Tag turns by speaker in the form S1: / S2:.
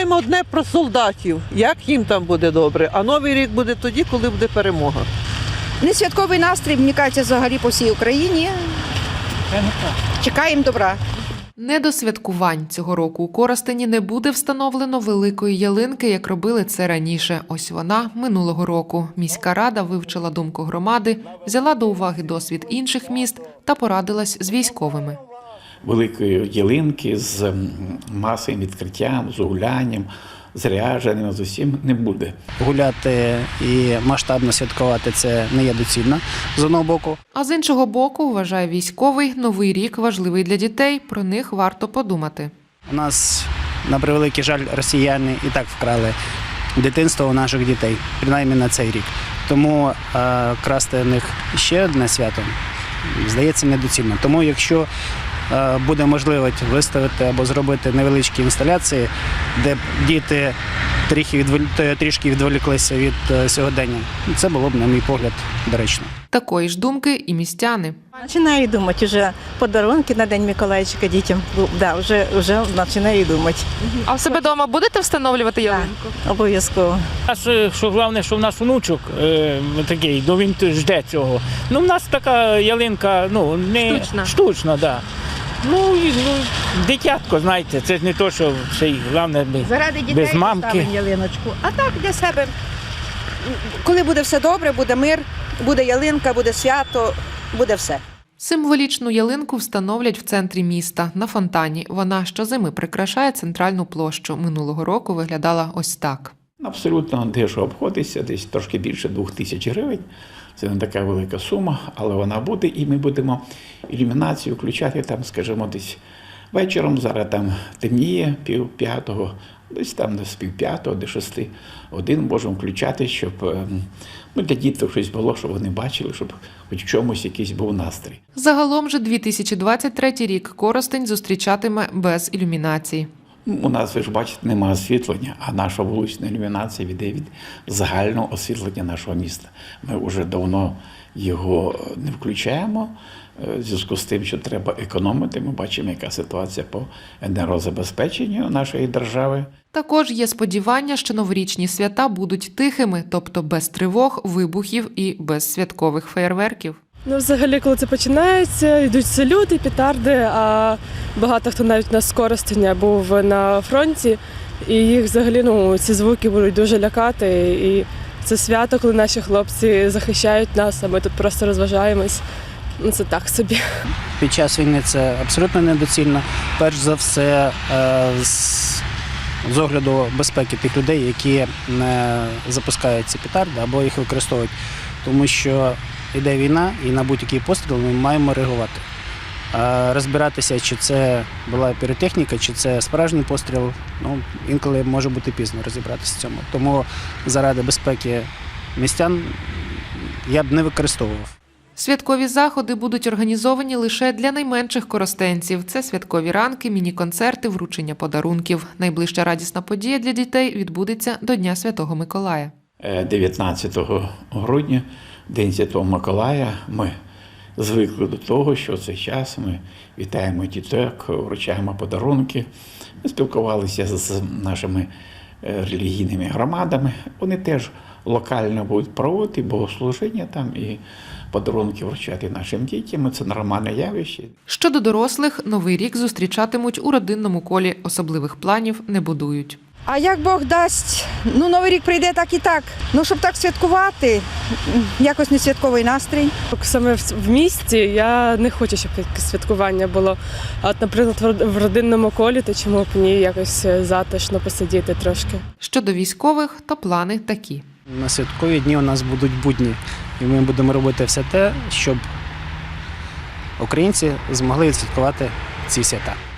S1: знаємо одне про солдатів, як їм там буде добре, а Новий рік буде тоді, коли буде перемога.
S2: Не святковий настрій, мені кажеться, взагалі по всій Україні. Чекаємо добра.
S3: Не до святкувань цього року у Коростені не буде встановлено великої ялинки, як робили це раніше. Ось вона минулого року. Міська рада вивчила думку громади, взяла до уваги досвід інших міст та порадилась з військовими.
S4: Великої ялинки з масовим відкриттям, з гулянням, з ряженням, з усім не буде.
S5: Гуляти і масштабно святкувати – це не є доцільно, з одного боку.
S3: А з іншого боку, вважає військовий, Новий рік важливий для дітей, про них варто подумати.
S5: У нас, на превеликий жаль, росіяни і так вкрали дитинство у наших дітей, принаймні на цей рік. Тому красти в них ще одне свято, здається, недоцільно. Тому якщо буде можливість виставити або зробити невеличкі інсталяції, де діти трішки відволіклися від сьогодення, це було б, на мій погляд, доречно.
S3: Такої ж думки і містяни.
S6: Починаю думати вже подарунки на День Миколайчика дітям. Да, вже починаю думати.
S3: А в себе вдома будете встановлювати ялинку?
S6: Обов'язково.
S7: Що головне, що в нас внучок такий, він жде цього. Ну, в нас така ялинка, не штучна, да. Дитятко, знаєте, це ж не то, що ще й головне
S2: Заради дітей
S7: без мамки.
S2: поставимо ялиночку. А так для себе. Коли буде все добре, буде мир, буде ялинка, буде свято, буде все.
S3: Символічну ялинку встановлять в центрі міста, на фонтані. Вона щозими прикрашає центральну площу. Минулого року виглядала ось так.
S4: Абсолютно дешево обходиться, десь трошки більше 2000 гривень. Це не така велика сума, але вона буде, і ми будемо ілюмінацію включати там, скажімо, десь вечором, зараз там темніє, 4:30, десь там з 5:30 до 6 годин можемо включати, щоб для діток щось було, щоб вони бачили, щоб хоч в чомусь якийсь був настрій.
S3: Загалом же 2023 рік Коростень зустрічатиме без ілюмінації.
S4: У нас, ви ж бачите, немає освітлення, а наша вулична ілюмінація йде від загального освітлення нашого міста. Ми вже давно його не включаємо, в зв'язку з тим, що треба економити. Ми бачимо, яка ситуація по енергозабезпеченню нашої держави.
S3: Також є сподівання, що новорічні свята будуть тихими, тобто без тривог, вибухів і без святкових феєрверків.
S8: Взагалі, коли це починається, йдуть салюти, петарди, а багато хто навіть у нас з Коростеня був на фронті, і їх взагалі, ці звуки будуть дуже лякати. І це свято, коли наші хлопці захищають нас, а ми тут просто розважаємось. Це так собі.
S5: Під час війни це абсолютно недоцільно. Перш за все, з огляду безпеки тих людей, які не запускають ці петарди або їх використовують. Тому що йде війна, і на будь-який постріл ми маємо реагувати. Розбиратися, чи це була піротехніка, чи це справжній постріл, інколи може бути пізно розібратися в цьому. Тому заради безпеки містян я б не використовував.
S3: Святкові заходи будуть організовані лише для найменших коростенців. Це святкові ранки, міні-концерти, вручення подарунків. Найближча радісна подія для дітей відбудеться до Дня Святого Миколая.
S4: 19 грудня, День Святого Миколая, ми звикли до того, що в цей час ми вітаємо діток, вручаємо подарунки. Ми спілкувалися з нашими релігійними громадами. Вони теж локально будуть проводити богослужіння там і подарунки вручати нашим дітям. Це нормальне явище.
S3: Щодо дорослих, Новий рік зустрічатимуть у родинному колі. Особливих планів не будують.
S2: А як Бог дасть, Новий рік прийде так і так. Щоб так святкувати, якось не святковий настрій.
S8: Саме в місті я не хочу, щоб якесь святкування було. А от, наприклад, в родинному колі, то чому б ні, якось затишно посидіти трошки.
S3: Щодо військових, то плани такі.
S5: На святкові дні у нас будуть будні, і ми будемо робити все те, щоб українці змогли відсвяткувати ці свята.